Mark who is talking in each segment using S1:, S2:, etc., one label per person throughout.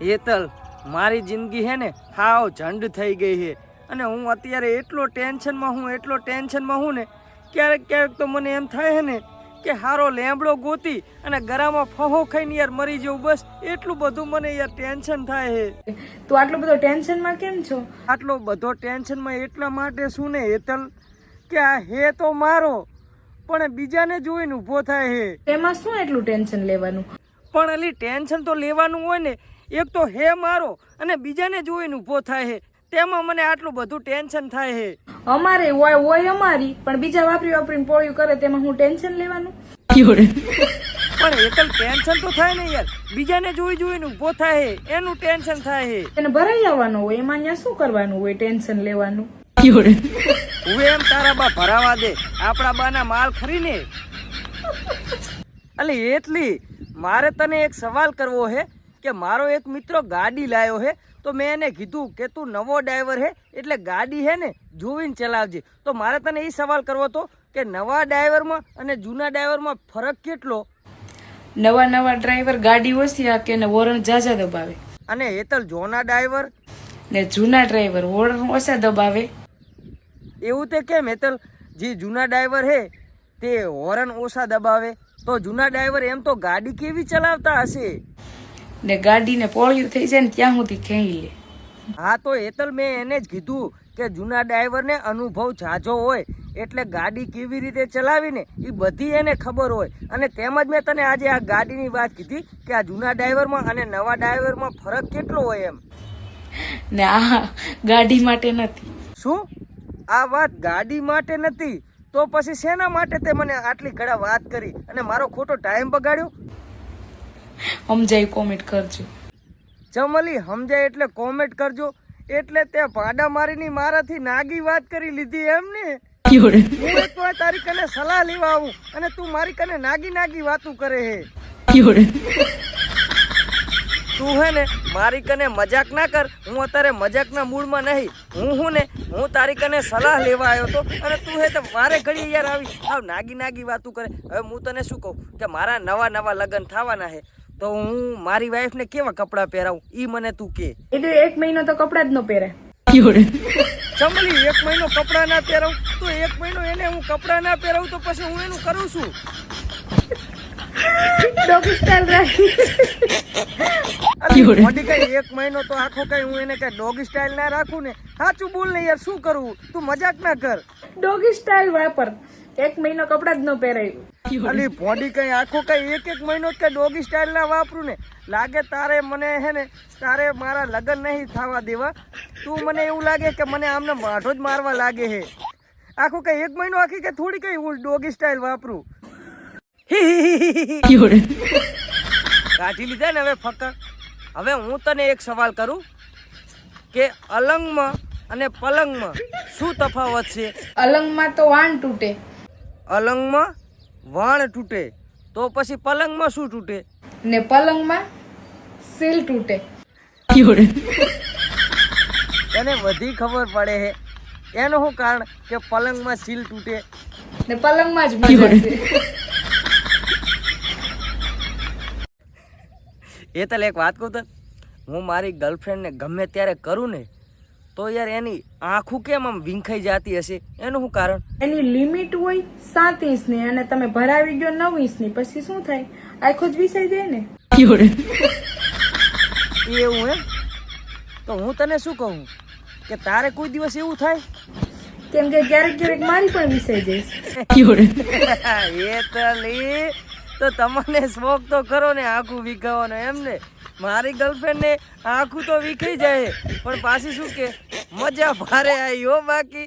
S1: હેતલ, મારી જિંદગી હે ને હાવ ઝંડ થઈ ગઈ છે અને હું અત્યારે એટલો ટેન્શનમાં હું ને ક્યારેક તો મને એમ થાય છે ને કે હારો લેમડો ગોતી અને ગરામાં ફહો ખાઈને યાર મરી જવું, બસ એટલું બધું મને યાર ટેન્શન થાય છે.
S2: તું આટલો બધો ટેન્શનમાં કેમ છો?
S1: આટલો બધો ટેન્શનમાં એટલા માટે શું ને હેતલ કે આ હે તો મારો પણ બીજાને જોઈને ઊભો થાય છે.
S2: એમાં શું એટલું ટેન્શન લેવાનું?
S1: પણ અલી ટેન્શન તો લેવાનું હોય ને, એક તો હે મારો અને બીજાને જોઈને ઊભો થાય છે, તેમાં મને આટલું બધું ટેન્શન થાય છે.
S2: અમારે હોય અમારી, પણ બીજા વાપરીને પોળ્યું કરે તેમાં હું ટેન્શન લેવાનું?
S1: પણ હેતલ ટેન્શન તો થાય ને યાર, બીજાને જોઈને ઊભો થાય છે એનું ટેન્શન થાય છે.
S2: એને ભરાઈ આવવાનું હોય, એમાં ત્યાં શું કરવાનું હોય ટેન્શન લેવાનું?
S1: હવે એમ તારા બા ભરાવા દે, આપણા બાના માલ ખરીને. અલી એટલી મારે તને એક સવાલ કરવો છે કે મારો એક મિત્ર ગાડી લાયો છે, તો મેં એને કીધું કે તું નવો ડ્રાઈવર હે એટલે ગાડી હે ને જોઈને ચલાવજે. તો મારે તને એ સવાલ કરવો હતો કે નવા ડ્રાઈવરમાં અને જૂના ડ્રાઈવરમાં ફરક કેટલો?
S2: નવા ડ્રાઈવર ગાડી ઓછી હાકે ને વોરન જાજા દબાવે,
S1: અને હેતલ જૂના ડ્રાઈવર
S2: ને જૂના ડ્રાઈવર વોરન ઓછા દબાવે.
S1: એવું તે કેમ હેતલ? જે જૂના ડ્રાઈવર હે તે હોર્ન ઓછા દબાવે, તો જૂના ડ્રાઈવર એમ તો ગાડી કેવી ચલાવતા હશે?
S2: ને ગાડીને પોળ્યું થઈ જાય ને ત્યાં સુધી ખેંચી લે.
S1: હા તો હેતલ મેં એને જ કીધું કે જૂના ડ્રાઈવરને અનુભવ ઝાઝો હોય એટલે ગાડી કેવી રીતે ચલાવીને એ બધી એને ખબર હોય, અને તેમજ મેં તને આજે આ ગાડીની વાત કીધી કે આ જૂના ડ્રાઈવરમાં અને નવા ડ્રાઈવરમાં ફરક કેટલો હોય એમ.
S2: ને આ ગાડી માટે નથી.
S1: શું આ વાત ગાડી માટે નથી? તો પછી શેના માટે તે મને આટલી ઘડા વાત કરી અને મારો ખોટો ટાઈમ બગાડ્યો?
S2: સમજાય કોમેન્ટ કરજો.
S1: ચમલી સમજાય એટલે કોમેન્ટ કરજો. એટલે તે ભાડા મારીની મારાથી નાગી વાત કરી લીધી એમ ને? હું એક વાર તારી કને સલાહ લેવા આવું અને તું મારી કને નાગી વાતું કરે હે. તું હે ને મારી કને મજાક ના કર, હું અત્યારે મજાકના મૂડમાં નહીં. હું તારી કને સલાહ લેવા આવ્યો હતો અને તું હે તો મારે ઘડી યાર આવી નાગી વાતું કરે. હવે હું તને શું કહું કે મારા નવા લગ્ન થવાના છે, તો હું મારી વાઈફને કેવા કપડાં પહેરાવું ઈ મને તું કે.
S2: એટલે 1 મહિનો તો કપડાં જ ન પહેરે.
S1: ચમલી 1 મહિનો કપડાં ના પહેરાવું તો 1 મહિનો એને હું કપડાં ના પહેરાવું તો પછી હું એનું કરું છું
S2: ડોગી સ્ટાઈલ રાખી.
S1: મોટી કઈ 1 મહિનો તો આખો કઈ હું એને કઈ ડોગી સ્ટાઈલ ના રાખું ને? સાચું બોલ ને યાર, શું કરવું? તું મજાક ના કર.
S2: ડોગી સ્ટાઈલ વાપર. 1 મહિનો કપડાં જ ન પહેરાયું.
S1: અલી બોડી કઈ આખો કઈ એક મહિનો જ કઈ ડોગી સ્ટાઈલ ના વાપરું ને? લાગે તારે મને હે ને તારે મારા લગ્ન નહીં થવા દેવા. તું મને એવું લાગે કે મને આમને માઠો જ મારવા લાગે છે. આખો કઈ 1 મહિનો આખી કે થોડી કઈ હું ડોગી સ્ટાઈલ વાપરું? કાઢી લીધા ને હવે ફક્કા. હવે હું તને એક સવાલ કરું કે અલંગમાં અને પલંગમાં શું તફાવત છે?
S2: અલંગમાં તો વાણ તૂટે.
S1: અલંગમાં વાણ તૂટે, તો પછી પલંગમાં શું તૂટે?
S2: ને પલંગમાં સીલ તૂટે.
S1: એને બધી ખબર પડે છે. એનું શું કારણ કે પલંગમાં સીલ તૂટે
S2: ને પલંગમાં જ મજા છે.
S1: એ તો એક વાત કહું તો, હું મારી ગર્લફ્રેન્ડને ગમે ત્યારે કરું ને તો યાર એની આંખું કેમ આમ વિંખાઈ જતી હશે? એનું શું કારણ? એની
S2: લિમિટ હોય 7 ઇંચની અને તમે ભરાવી ગયો 9 ઇંચની, પછી શું થાય? આંખો જ વિસાઈ જાય ને.
S1: એવું એમ? તો હું તને શું કહું કે તારે કોઈ દિવસ એવું થાય?
S2: કેમ કે ક્યારેક મારી પણ વિસાઈ જાય.
S1: એ તો તમને શોખ તો ખરો ને આંખું વિખાવાનો એમ ને? મારી ગર્લફ્રેન્ડ ને આંખું તો વિખાઈ જાય પણ પાછી શું કે મજા ભારે આવી હો. બાકી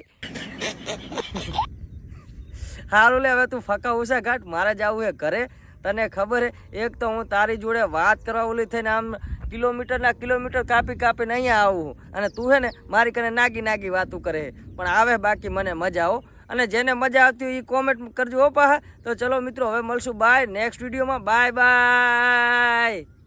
S1: સારું લે, હવે તું ફકા ઓછા કાઢ, મારે જવું હે ઘરે. તને ખબર હે એક તો હું તારી જોડે વાત કરવા ઓલી થઈને આમ કિલોમીટર કાપીને અહીંયા આવું અને તું હે ને મારી કને નાગી વાતું કરે. પણ આવે બાકી મને મજા આવો. અને જેને મજા આવતી હોય એ કોમેન્ટ કરજો હો પાહા. તો ચલો મિત્રો હવે મળશું, બાય નેક્સ્ટ વિડીયોમાં. બાય.